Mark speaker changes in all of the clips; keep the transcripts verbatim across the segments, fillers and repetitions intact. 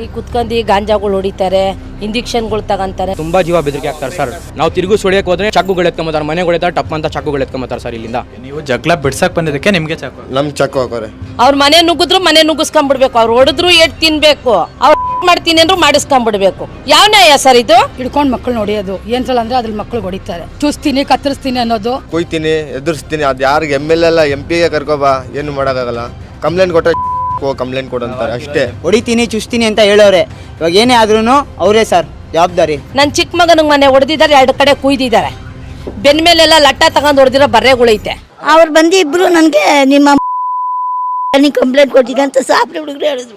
Speaker 1: ಇಲ್ಲಿ ಕುತ್ಕೊಂಡು ಗಾಂಜಾಗಳು ಹೊಡಿತಾರೆ, ಇಂಜೆಕ್ಷನ್ಗಳು ತಗೊಂತಾರೆ.
Speaker 2: ತುಂಬಾ ಜೀವ ಬೆದರಿಕೆ ಆಗ್ತಾರೆ ಸರ್. ನಾವು ತಿರುಗು ಸುಳಿಯಕ್ಕೆ ಹೋದ್ರೆ ಚಾಕುಗಳು ಎತ್ಕೊಂಬತ್ತಾರೆ, ಮನೆಗಳಿದ್ದಾರೆ ಟಪ್ ಅಂತ ಚಾಕುಗಳು ಎತ್ಕೊಂಬತ್ತಾರೆ ಸರ್. ಇಲ್ಲಿಂದ
Speaker 3: ನೀವು ಜಗಳ ಬಿಡ್ಸಕ್ ಬಂದಿದ್ದಕ್ಕೆ ನಿಮ್ಗೆ ಚಾಕು
Speaker 4: ನಮ್ ಚಾಕು ಹಾಕೋರೆ.
Speaker 1: ಅವ್ರ ಮನೆ ನುಗ್ಗಿದ್ರು ಮನೆ ನುಗ್ಗಿಸ್ಕೊಂಡ್ಬಿಡ್ಬೇಕು, ಅವ್ರು ಹೊಡೆದ್ರು ಎಟ್ ತಿನ್ಬೇಕು, ಅವ್ರು ಮಾಡ್ತೀನಿ ಅಂದ್ರು ಮಾಡಿಸ್ಕೊಂಡ್ಬಿಡ್ಬೇಕು. ಯಾವ ನ್ಯಾಯ ಸರ್ ಇದು?
Speaker 5: ಹಿಡ್ಕೊಂಡು ಮಕ್ಕಳು ನೋಡಿಯೋದು ಏನ್ಸಲ್ಲ ಅಂದ್ರೆ ಅದ್ರ ಮಕ್ಕಳು ಹೊಡಿತಾರೆ. ಚೂಸ್ತೀನಿ ಕತ್ತರಿಸ್ತೀನಿ ಅನ್ನೋದು,
Speaker 4: ಕುಯ್ತೀನಿ ಎದುರಿಸ್ತೀನಿ, ಅದ್ ಯಾರಿಗೆ ಎಮ್ ಎಲ್ ಎಲ್ಲ ಎಂ ಪಿಗೆ ಕರ್ಕೋಬಾ, ಏನು ಮಾಡೋಕ್ಕಾಗಲ್ಲ. ಕಂಪ್ಲೇಂಟ್ ಕೊಟ್ಟರೆ ಕಂಪ್ಲೇಂಟ್ ಕೊಡಂತಾರೆ ಅಷ್ಟೇ.
Speaker 6: ಹೊಡಿತೀನಿ ಚುಸ್ತೀನಿ ಅಂತ ಹೇಳೋರೆ, ಇವಾಗ ಏನೇ ಆದ್ರೂ ಅವರೇ ಸರ್ ಜವಾಬ್ದಾರಿ.
Speaker 1: ನನ್ನ ಚಿಕ್ಕ ಮಗನಿಗೆ ಮನೆ ಹೊಡೆದಿದ್ದಾರೆ, ಎರಡು ಕಡೆ ಕುಯ್ದಿದ್ದಾರೆ, ಬೆನ್ ಮೇಲೆಲ್ಲ ಲಟ್ಟ ತಗೊಂಡು ಹೊಡೆದಿರೋ ಬರ್ರೆಗಳೈತೆ.
Speaker 7: ಅವ್ರು ಬಂದು ಇಬ್ರು ನನಗೆ ನಿಮ್ಮ ಕಂಪ್ಲೇಂಟ್ ಕೊಟ್ಟಿದ್ದೆ ಅಂತ ಸಾಪ್ರೆ ಹುಡುಗರು ಹೇಳಿದ್ರು.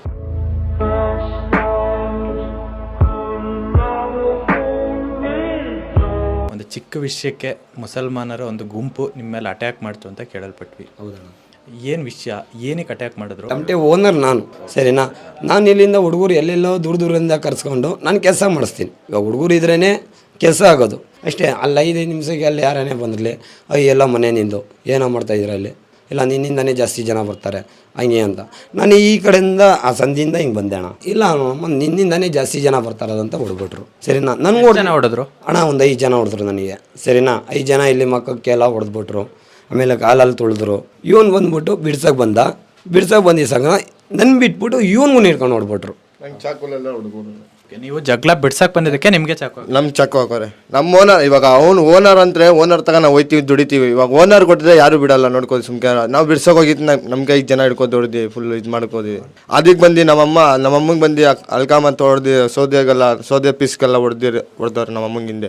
Speaker 3: ಒಂದು ಚಿಕ್ಕ ವಿಷಯಕ್ಕೆ ಮುಸಲ್ಮಾನರ ಒಂದು ಗುಂಪು ನಿಮ್ಮ ಮೇಲೆ ಅಟ್ಯಾಕ್ ಮಾಡ್ತು ಅಂತ ಕೇಳಲ್ಪಟ್ವಿ. ಹೌದಾ? ಏನು ವಿಷಯ, ಏನಕ್ಕೆ ಅಟ್ಯಾಕ್ ಮಾಡಿದ್ರು?
Speaker 8: ತಮಟೆ ಓನರ್ ನಾನು, ಸರಿನಾ? ನಾನು ಇಲ್ಲಿಂದ ಹುಡುಗರು ಎಲ್ಲೆಲ್ಲೋ ದೂರ ದೂರದಿಂದ ಕರ್ಸ್ಕೊಂಡು ನಾನು ಕೆಲಸ ಮಾಡಿಸ್ತೀನಿ. ಇವಾಗ ಹುಡುಗರು ಇದ್ರೇ ಕೆಲಸ ಆಗೋದು ಅಷ್ಟೇ. ಅಲ್ಲಿ ಐದೈದು ನಿಮಿಷಕ್ಕೆ ಅಲ್ಲಿ ಯಾರೇ ಬಂದಿರಲಿ, ಅಯ್ಯ ಎಲ್ಲ ಮನೆ ನಿಂದು ಏನೋ ಮಾಡ್ತಾಯಿದ್ರು ಅಲ್ಲಿ, ಇಲ್ಲ ನಿನ್ನಿಂದನೇ ಜಾಸ್ತಿ ಜನ ಬರ್ತಾರೆ ಹಂಗೆ ಅಂತ. ನಾನು ಈ ಕಡೆಯಿಂದ ಆ ಸಂಧಿಯಿಂದ ಹಿಂಗೆ ಬಂದೆ ಅಣ್ಣ. ಇಲ್ಲ ಅಮ್ಮ ನಿನ್ನಿಂದನೇ ಜಾಸ್ತಿ ಜನ ಬರ್ತಾರದಂತ ಹೊಡ್ಬಿಟ್ರು, ಸರಿನಾ? ನನಗೆ
Speaker 3: ಜನ ಹೊಡೆದ್ರು
Speaker 8: ಅಣ್ಣ, ಒಂದು ಐದು ಜನ ಹೊಡೆದ್ರು ನನಗೆ, ಸರಿನಾ? ಐದು ಜನ ಇಲ್ಲಿ ಮಕ್ಕಕ್ಕೆಲ್ಲ ಹೊಡೆದ್ಬಿಟ್ರು, ಆಮೇಲೆ ಕಾಲಲ್ಲಿ ತುಳಿದ್ರು. ಇವನು ಬಂದ್ಬಿಟ್ಟು ಬಿಡ್ಸಕ್ಕೆ ಬಂದ, ಬಿಡ್ಸಕ್ಕೆ ಬಂದಿಸಾಗ ನನ್ನ ಬಿಟ್ಬಿಟ್ಟು ಇವನ್ಗೂ ಹಿಡ್ಕೊಂಡು ಹೊಡ್ಬಿಟ್ರು.
Speaker 4: ನಂಗೆ ಚಾಕುಲೆಲ್ಲ ಹುಡುಗರು.
Speaker 3: ನೀವು ಜಗಳ ಬಿಡ್ಸಕ್ ಬಂದಿದ್ದಕ್ಕೆ ನಿಮ್ಗೆ ಚಾಕು?
Speaker 4: ನಮ್ ಚಾಕು ಹಾಕೋರೆ. ನಮ್ಮ ಓನರ್, ಇವಾಗ ಅವ್ನು ಓನರ್ ಅಂದ್ರೆ ಓನರ್ ತಗ ನಾವು ಹೋಯ್ತೀವಿ ದುಡಿತೀವಿ. ಇವಾಗ ಓನರ್ ಕೊಟ್ಟಿದ್ರೆ ಯಾರು ಬಿಡಲ್ಲ, ನೋಡ್ಕೋದು ಸುಮ್ಕೆ. ನಾವು ಬಿಡ್ಸೋಕೆ ಹೋಗಿದ್ದು ನಮ್ಗೆ ಐದು ಜನ ಹಿಡ್ಕೊಂಡು ಹೊಡೆದಿ ಫುಲ್ ಇದು ಮಾಡ್ಕೋದಿ. ಅದಕ್ಕೆ ಬಂದು ನಮ್ಮಮ್ಮ ನಮ್ಮಮ್ಮಗೆ ಬಂದು ಅಲ್ಕಾಮ ತೊಡ್ದು ಸೌದೆಗೆಲ್ಲ ಸೌದೆ ಪೀಸ್ಗೆಲ್ಲ ಹೊಡೆದಿ ಹೊಡೆದವ್ರು ನಮ್ಮ ಅಮ್ಮಂಗಿಂದೆ.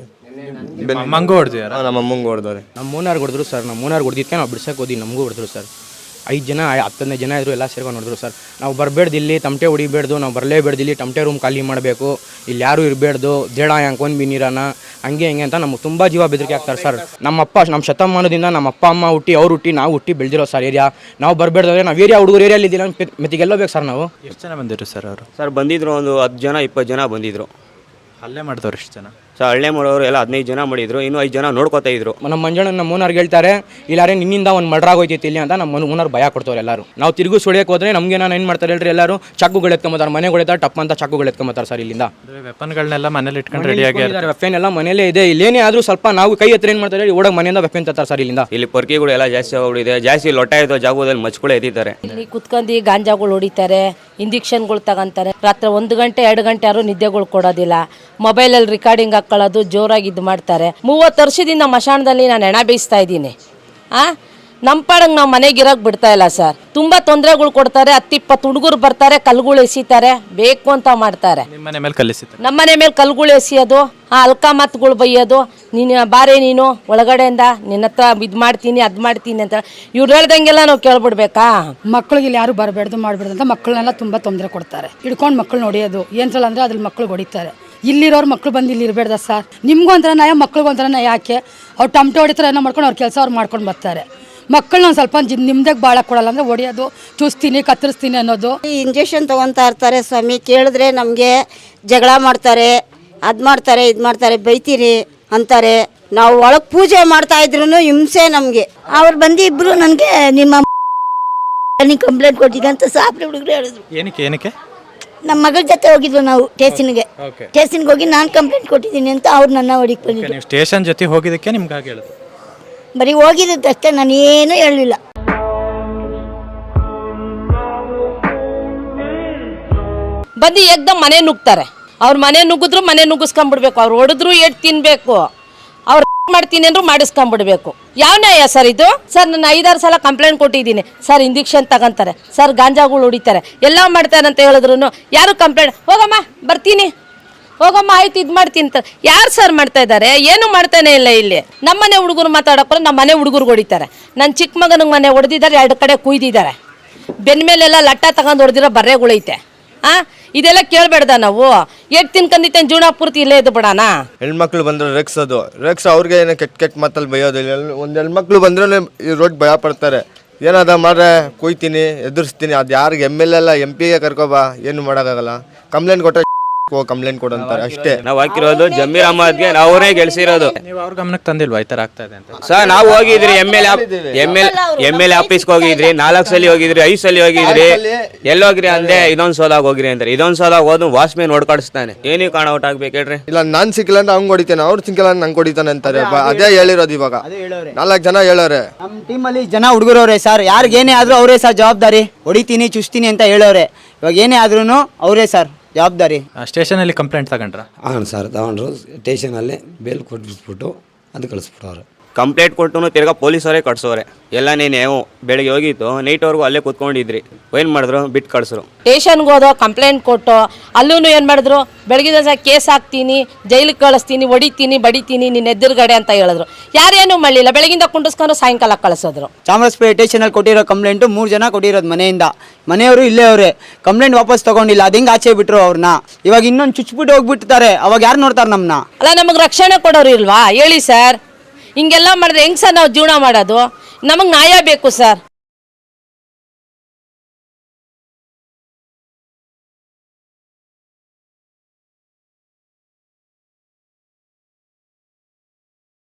Speaker 3: ಅಮ್ಮಂಗೂ ಹೊಡೆದಿದ್ದಾರೆ,
Speaker 4: ನಮ್ಮ ಅಮ್ಮಂಗೆ ಹೊಡೆದವ್ರೆ.
Speaker 2: ನಮ್ಮ ಮೂನಾರ್ ಹೊಡೆದ್ರು ಸರ್. ನಮ್ಮ ಮೂನಾರ್ ಹೊಡೆದಿದ್ದಕ್ಕೆ ನಾವು ಬಿಡ್ಸಕ್ಕೆ ಹೋದಿ, ನಮಗೂ ಹೊಡೆದ್ರು ಸರ್. ಐದು ಜನ ಹತ್ತನೇ ಜನ ಇದ್ರು, ಎಲ್ಲ ಸೇರ್ಕೊಂಡು ನೋಡಿದ್ರು ಸರ್. ನಾವು ಬರಬೇಡ್ದು ಇಲ್ಲಿ, ತಮಟೆ ಹೊಡಿಬೇಡ್ದು, ನಾವು ಬರಲೇಬೇಡ್ದು, ಇಲ್ಲಿ ತಮಟೆ ರೂಮ್ ಖಾಲಿ ಮಾಡಬೇಕು, ಇಲ್ಲಿ ಯಾರು ಇರಬೇಡ್ದು, ದೇಡ ಹ್ಯಾಂಕೊಂಡು ಬಿನಿರಾನ ಹಂಗೆ ಹಿಂಗೆ ಅಂತ ನಮ್ಗೆ ತುಂಬ ಜೀವ ಬೆದರಿಕೆ ಆಗ್ತಾರೆ ಸರ್. ನಮ್ಮಪ್ಪ ನಮ್ಮ ಶತಮಾನದಿಂದ ನಮ್ಮ ಅಪ್ಪ ಅಮ್ಮ ಹುಟ್ಟಿ ಅವ್ರು ಹುಟ್ಟಿ ನಾವು ಹುಟ್ಟಿ ಬೆಳೆದಿರೋ ಸರ್ ಏರಿಯಾ. ನಾವು ಬರಬೇಡ್ದ್ರೆ ನಾವು ಏರಿಯಾ ಹುಡುಗರು ಏರಿಯಲ್ಲಿ ಇದ್ದಿಲ್ಲ ಮೆತ್ತಿಗೆಲ್ಲ ಬೇಕು ಸರ್. ನಾವು
Speaker 3: ಎಷ್ಟು ಜನ ಬಂದಿದ್ರು ಸರ್ ಅವರು?
Speaker 9: ಸರ್ ಬಂದಿದ್ರು ಒಂದು ಹತ್ತು ಜನ ಇಪ್ಪತ್ತು ಜನ ಬಂದಿದ್ರು.
Speaker 3: ಅಲ್ಲೇ ಮಾಡಿದವ್ರು ಎಷ್ಟು ಜನ?
Speaker 9: ಸರ್ ಹಳ್ಳೆ ಮಾಡೋರು ಎಲ್ಲ ಹದಿನೈದು ಜನ ಮಾಡಿದ್ರು, ಇನ್ನೂ ಐದು ಜನ ನೋಡ್ಕೋತಾ ಇದ್ರು.
Speaker 2: ನಮ್ಮ ಮಂಜಣ್ಣ ನಮ್ಮ ಮೂನಾರ್ಗೆ ಹೇಳ್ತಾರೆ, ಇಲ್ಲಾರೆ ನಿನ್ನಿಂದ ಒಂದು ಮರ್ಡರ್ ಆಗೋಯ್ತೈತಿ ಇಲ್ಲಿ ಅಂತ ನಮ್ಮ ಮೂನಾರ್ ಭಯ ಕೊಡ್ತವ್ರು ಎಲ್ಲರೂ. ನಾವು ತಿರುಗು ಸುಳಿಯಕ್ಕೆ ಹೋದ್ರೆ ನಮಗೆ ನಾನು ಏನು ಮಾಡ್ತಾರೆ ಹೇಳ್ರಿ, ಎಲ್ಲರೂ ಚಾಕುಗಳು ಎತ್ಕೊಂಬತ್ತಾರೆ, ಮನೆಗಳಿದ್ದಾರೆ ಟಪ್ ಅಂತ ಚಾಕುಗಳು ಎತ್ಕೊಂಬತ್ತಾರೆ ಸರ್. ಇಲ್ಲಿಂದ
Speaker 3: ವೆಪನ್ಗಳನ್ನೆಲ್ಲ ಮನೇಲಿ ಇಟ್ಕೊಂಡು ರೆಡಿ ಆಗಿದ್ದಾರೆ.
Speaker 2: ವೆಪನ್ ಎಲ್ಲ ಮನೇಲೇ ಇದೆ. ಇಲ್ಲೇನೇ ಆದರೂ ಸ್ವಲ್ಪ ನಾವು ಕೈ ಹತ್ರ ಏನು ಮಾಡ್ತಾರೆ ಓಡೋಗ ಮನೆಯಿಂದ ವೆಪನ್ ತರ್ತಾರೆ ಸರ್. ಇಲ್ಲಿಂದ
Speaker 9: ಇಲ್ಲಿ ಪೊರ್ಕಿಗಳು ಎಲ್ಲ ಜಾಸ್ತಿ ಹೋಗ್ಬಿಟ್ಟಿದೆ, ಜಾಸ್ತಿ ಲೊಟ್ಟ ಇದ್ದೋ ಜಾಗದಲ್ಲಿ ಮಚ್ಕೊಳ್ಳೆ ಎದ್ದಿದ್ದಾರೆ.
Speaker 1: ಇಲ್ಲಿ ಕುತ್ಕೊಂಡು ಗಾಂಜಾಗಳು ಹೊಡಿತಾರೆ, ಇಂಜೆಕ್ಷನ್ಗಳು ತಗೊಂತಾರೆ. ರಾತ್ರಿ ಒಂದು ಗಂಟೆ ಎರಡು ಗಂಟೆ ಯಾರು ನಿದ್ದೆಗಳು ಕೊಡೋದಿಲ್ಲ, ಮೊಬೈಲಲ್ಲಿ ರಿಕಾರ್ಡಿಂಗ್ ಹಾಕೊಳ್ಳೋದು, ಜೋರಾಗಿ ಇದು ಮಾಡ್ತಾರೆ. ಮೂವತ್ತು ವರ್ಷದಿಂದ ಮಶಾಣದಲ್ಲಿ ನಾನು ಹೆಣ ಬೇಯಿಸ್ತಾ ಇದ್ದೀನಿ. ಆ ನಮ್ಮ ಪಾಡಂಗೆ ನಾವು ಮನೆಗೆ ಇರೋಕೆ ಬಿಡ್ತಾ ಇಲ್ಲ ಸರ್. ತುಂಬ ತೊಂದರೆಗಳು ಕೊಡ್ತಾರೆ. ಹತ್ತಿಪ್ಪತ್ತು ಹುಡುಗರು ಬರ್ತಾರೆ, ಕಲ್ಗಳು ಎಸಿತಾರೆ, ಬೇಕು ಅಂತ ಮಾಡ್ತಾರೆ.
Speaker 3: ನಿಮ್ಮನೆ ಮೇಲೆ ಕಲಿಸಿದ್ರು?
Speaker 1: ನಮ್ಮನೆ ಮೇಲೆ ಕಲ್ಗಳು ಎಸಿಯೋದು, ಆ ಅಲ್ಕ ಮಾತುಗಳು ಬೈಯೋದು, ನೀನು ಬಾರೆ ನೀನು ಒಳಗಡೆಯಿಂದ ನಿನ್ನ ಹತ್ರ ಇದು ಮಾಡ್ತೀನಿ ಅದು ಮಾಡ್ತೀನಿ ಅಂತ ಇವ್ರು ಹೇಳ್ದಂಗೆಲ್ಲ ನಾವು ಕೇಳ್ಬಿಡ್ಬೇಕಾ?
Speaker 5: ಮಕ್ಕಳಿಗೆ ಇಲ್ಲಿ ಯಾರು ಬರಬೇಡ್ದು ಮಾಡಬೇಡ್ದು ಅಂತ ಮಕ್ಕಳನ್ನೆಲ್ಲ ತುಂಬ ತೊಂದರೆ ಕೊಡ್ತಾರೆ. ಹಿಡ್ಕೊಂಡು ಮಕ್ಕಳು ನೋಡಿಯೋದು ಏನ್ಸಲ್ಲ ಅಂದ್ರೆ ಅದ್ರ ಮಕ್ಕಳು ಹೊಡಿತಾರೆ. ಇಲ್ಲಿರೋರು ಮಕ್ಕಳು ಬಂದು ಇಲ್ಲಿ ಇರಬೇಡ್ದ ಸರ್. ನಿಮ್ಗೂ ಒಂಥರ ನಯ, ಮಕ್ಳಿಗೂ ಒಂಥರ ನಯ. ಯಾಕೆ ಅವ್ರು ಟಮಟೆ ಹೊಡಿತಾರೆ ಏನೋ ಮಾಡ್ಕೊಂಡು ಅವ್ರ ಕೆಲಸ ಅವ್ರು ಮಾಡ್ಕೊಂಡು ಬರ್ತಾರೆ. ಮಕ್ಕಳನ್ನ ಒಂದು ಸ್ವಲ್ಪ ನಿಮ್ದಾಗ ಭಾಳ ಕೊಡಲ್ಲ ಅಂದರೆ ಹೊಡಿಯೋದು, ಚೂಸ್ತೀನಿ ಕತ್ತರಿಸ್ತೀನಿ ಅನ್ನೋದು.
Speaker 7: ಇಂಜೆಕ್ಷನ್ ತೊಗೊತಾ ಇರ್ತಾರೆ ಸ್ವಾಮಿ. ಕೇಳಿದ್ರೆ ನಮಗೆ ಜಗಳ ಮಾಡ್ತಾರೆ, ಅದು ಮಾಡ್ತಾರೆ ಇದು ಮಾಡ್ತಾರೆ, ಬೈತೀರಿ ಅಂತಾರೆ. ನಾವು ಒಳಗೆ ಪೂಜೆ ಮಾಡ್ತಾ ಇದ್ರು ಹಿಂಸೆ ನಮಗೆ. ಅವ್ರು ಬಂದು ಇಬ್ರು ನನಗೆ ನಿಮ್ಮ ಕಂಪ್ಲೇಂಟ್ ಕೊಟ್ಟಿದ್ದೆ ಅಂತ ಸಾಪ್ರೆ ಹುಡುಗರು ಹೇಳಿದ್ರು.
Speaker 3: ಏನಕ್ಕೆ ಏನಕ್ಕೆ?
Speaker 7: ನಮ್ಮ ಮಗಳ ಜೊತೆ ಹೋಗಿದ್ವು ನಾವು ಸ್ಟೇಷನ್ಗೆ. ಸ್ಟೇಷನ್ಗೆ ಹೋಗಿ ನಾನು ಕಂಪ್ಲೇಂಟ್ ಕೊಟ್ಟಿದ್ದೀನಿ ಅಂತ ಅವ್ರು ನನ್ನ ಹೊಡಿಗೆ ಬಂದಿದ್ರು.
Speaker 3: ನೀವು ಸ್ಟೇಷನ್ ಜೊತೆ ಹೋಗಿದ್ದಕ್ಕೆ ನಿಮ್ಗೆ ಹಾಗೆ ಹೇಳಿದ್ರು?
Speaker 7: ಬರೀ ಹೋಗಿದ್ದಷ್ಟೇ, ನಾನು ಏನೂ ಹೇಳಲಿಲ್ಲ.
Speaker 1: ಬಂದು ಏಕ್ದಮ್ ಮನೆ ನುಗ್ತಾರೆ. ಅವ್ರ ಮನೆ ನುಗ್ಗಿದ್ರು ಮನೆ ನುಗ್ಗಿಸ್ಕೊಂಡ್ಬಿಡ್ಬೇಕು, ಅವ್ರು ಹೊಡೆದ್ರು ಎಟ್ ತಿನ್ಬೇಕು, ಅವ್ರು ಮಾಡ್ತೀನಿ ಅಂದ್ರು ಮಾಡಿಸ್ಕೊಂಡ್ಬಿಡ್ಬೇಕು. ಯಾವ ನ್ಯಾಯ ಸರ್ ಇದು? ಸರ್ ನಾನು ಐದಾರು ಸಲ ಕಂಪ್ಲೇಂಟ್ ಕೊಟ್ಟಿದ್ದೀನಿ ಸರ್. ಇಂಜೆಕ್ಷನ್ ತಗೊಂತಾರೆ ಸರ್, ಗಾಂಜಾಗಳು ಹೊಡಿತಾರೆ, ಎಲ್ಲ ಮಾಡ್ತಾರೆ ಅಂತ ಹೇಳಿದ್ರು ಯಾರು ಕಂಪ್ಲೇಂಟ್, ಹೋಗಮ್ಮ ಬರ್ತೀನಿ, ಹೋಗಮ್ಮ ಆಯ್ತು ಇದು ಮಾಡ್ತೀನಿ ಅಂತ ಯಾರು ಸರ್ ಮಾಡ್ತಾ ಇದ್ದಾರೆ? ಏನು ಮಾಡ್ತಾನೆ ಇಲ್ಲ. ಇಲ್ಲಿ ನಮ್ಮನೆ ಹುಡುಗರು ಮಾತಾಡೋಕ್ರೆ ನಮ್ಮ ಮನೆ ಹುಡುಗರು ಹೊಡಿತಾರೆ. ನನ್ನ ಚಿಕ್ಕ ಮಗನಿಗೆ ಮನೆ ಹೊಡೆದಿದ್ದಾರೆ, ಎರಡು ಕಡೆ ಕುಯ್ದಿದ್ದಾರೆ, ಬೆನ್ ಮೇಲೆಲ್ಲ ಲಟ್ಟ ತಗೊಂಡು ಹೊಡೆದಿರೋ ಬರ್ರೆಗಳೈತೆ. ಆ ಇದೆಲ್ಲ ಕೇಳಬೇಡ್ದ ನಾವು? ಎಟ್ ತಿನ್ಕಂದಿತ್ತೆ ಜೀವನ ಪೂರ್ತಿ ಇಲ್ಲೇ ಇದ್ದು ಬಿಡೋಣ.
Speaker 4: ಹೆಣ್ಮಕ್ಳು ಬಂದ್ರೆ ರೆಕ್ಸೋದು, ರೆಕ್ಸ್ ಅವ್ರಿಗೆ ಏನೋ ಕೆಟ್ಟ ಕೆಟ್ಟ ಮಾತಲ್ಲಿ ಬೈಯೋದು. ಒಂದು ಹೆಣ್ಮಕ್ಳು ಬಂದ್ರೆ ಈ ರೋಡ್ ಭಯ ಪಡ್ತಾರೆ. ಏನಾದ ಮಾಡ್ರೆ ಕುಯ್ತೀನಿ ಎದುರಿಸ್ತೀನಿ, ಅದು ಯಾರಿಗೆ ಎಮ್ ಎಲ್ ಎಲ್ಲ ಎಂ ಪಿಗೆ ಕರ್ಕೋಬಾ, ಏನು ಮಾಡೋಕ್ಕಾಗಲ್ಲ. ಕಂಪ್ಲೇಂಟ್ ಕೊಟ್ಟರೆ ಕಂಪ್ಲೇಂಟ್ ಕೊಡಂತಾರೆ ಅಷ್ಟೇ.
Speaker 9: ನಾವು ಹಾಕಿರೋದು ಜಮೀರ್ ಅಹಮದ್ಗೆ ಅವರೇ ಗೆಲ್ಸಿರೋದು.
Speaker 3: ನೀವು ಅವ್ರ ಗಮನಕ್ಕೆ ತಂದಿಲ್ವಾ ಈ ಥರ ಆಗ್ತಾ ಇದೆ ಅಂತ?
Speaker 9: ಸರ್ ನಾವು ಹೋಗಿದ್ರಿ M L M L M L A ಆಫೀಸ್ಗೆ ಹೋಗಿದ್ರಿ, ನಾಲ್ಕು ಸಲ ಹೋಗಿದ್ರಿ, ಐದು ಸಲ ಹೋಗಿದ್ರಿ, ಎಲ್ಲೋಗ್ರಿ ಅಂದೆ ಇದೊಂದು ಸೋಲಾಗ ಹೋಗ್ರಿ ಅಂತಾರೆ. ಇದೊಂದು ಸೋಲಾಗ ಹೋದ್ ವಾಚ್ಮೇನ್ ನೋಡ್ಕಾಡಿಸ್ತಾನೆ. ಏನಕ್ಕೆ ಕಾಣ ಔಟ್ ಆಗ್ಬೇಕು ಹೇಳ್ರಿ?
Speaker 4: ಇಲ್ಲ ನಾನ್ ಸಿಕ್ಕಿಲ್ಲ ಅಂದ್ರೆ ಅವ್ನು ಹೊಡಿತಾನೆ, ಅವ್ರು ಸಿಕ್ಕಿಲ್ಲ ಅಂದ್ರೆ ನಂಗೆ ಹೊಡಿತಾನೆ ಅಂತಾರೆ. ಬ- ಅದೇ ಹೇಳಿರೋದು ಇವಾಗ
Speaker 6: ಅದೇ ಹೇಳೋರೆ.
Speaker 4: ನಾಲ್ಕು ಜನ ಹೇಳೋರೆ.
Speaker 6: ನಮ್ಮ ಟೀಮಲ್ಲಿ ಜನ ಹುಡುಗರವ್ರೆ ಸರ್, ಯಾರಿಗೆ ಏನೇ ಆದರೂ ಅವರೇ ಸರ್ ಜವಾಬ್ದಾರಿ. ಹೊಡಿತೀನಿ ಚುಸ್ತೀನಿ ಅಂತ ಹೇಳೋರೆ. ಇವಾಗ ಏನೇ ಆದ್ರೂ ಅವರೇ ಸರ್ ಜವಾಬ್ದಾರಿ.
Speaker 3: ಸ್ಟೇಷನಲ್ಲಿ ಕಂಪ್ಲೇಂಟ್ ತಗೊಂಡ್ರ?
Speaker 8: ಹಾಂ ಸರ್ ತಗೊಂಡ್ರು. ಸ್ಟೇಷನಲ್ಲಿ ಬೇಲ್ ಕೊಟ್ಬಿಟ್ಬಿಟ್ಟು ಅದು ಕಳಿಸ್ಬಿಟ್ಟವ್ರು.
Speaker 9: ಕಂಪ್ಲೇಂಟ್ ಕೊಟ್ಟು ತಿರ್ಗಾ ಪೊಲೀಸವರೇ ಕಟ್ಸೋರೆ. ಎಲ್ಲ ನೀನು ಬೆಳಿಗ್ಗೆ ಹೋಗಿತ್ತು, ನೈಟ್ವರೆಗೂ ಅಲ್ಲೇ ಕೂತ್ಕೊಂಡಿದ್ರಿ. ಏನು ಮಾಡಿದ್ರು? ಬಿಟ್ಟು ಕಳ್ಸರು.
Speaker 1: ಸ್ಟೇಷನ್ಗೆ ಹೋದೋ ಕಂಪ್ಲೇಂಟ್ ಕೊಟ್ಟು ಅಲ್ಲೂ ಏನು ಮಾಡಿದ್ರು, ಬೆಳಗಿನ ಸಹ ಕೇಸ್ ಹಾಕ್ತೀನಿ, ಜೈಲಿಗೆ ಕಳಿಸ್ತೀನಿ, ಹೊಡಿತೀನಿ, ಬಡಿತೀನಿ ನಿನ್ನ ಎದುರುಗಡೆ ಅಂತ ಹೇಳಿದ್ರು. ಯಾರೇನು ಮಾಡಲಿಲ್ಲ, ಬೆಳಗಿಂದ ಕುಂಡಿಸ್ಕೊಂಡು ಸಾಯಂಕಾಲ ಕಳಿಸೋದ್ರು.
Speaker 6: ಚಾಮರಾಜಪೇಟೆ ಸ್ಟೇಷನಲ್ಲಿ ಕೊಟ್ಟಿರೋ ಕಂಪ್ಲೇಂಟು ಮೂರು ಜನ ಕೊಟ್ಟಿರೋದು ಮನೆಯಿಂದ. ಮನೆಯವರು ಇಲ್ಲೇ ಅವರೇ ಕಂಪ್ಲೇಂಟ್ ವಾಪಸ್ ತಗೊಂಡಿಲ್ಲ. ಅದು ಹೆಂಗೆ ಆಚೆ ಬಿಟ್ರು ಅವ್ರನ್ನ. ಇವಾಗ ಇನ್ನೊಂದು ಚುಚ್ಬಿಟ್ಟು ಹೋಗ್ಬಿಡ್ತಾರೆ. ಅವಾಗ ಯಾರು ನೋಡ್ತಾರೆ ನಮ್ಮನ್ನ?
Speaker 1: ಅಲ್ಲ ನಮಗೆ ರಕ್ಷಣೆ ಕೊಡೋರು ಇಲ್ವಾ ಹೇಳಿ ಸರ್? ಹಿಂಗೆಲ್ಲ ಮಾಡಿದ್ರೆ ಹೆಂಗೆ ಸರ್ ನಾವು ಜೀವನ ಮಾಡೋದು? ನಮಗೆ ನ್ಯಾಯ ಬೇಕು ಸರ್.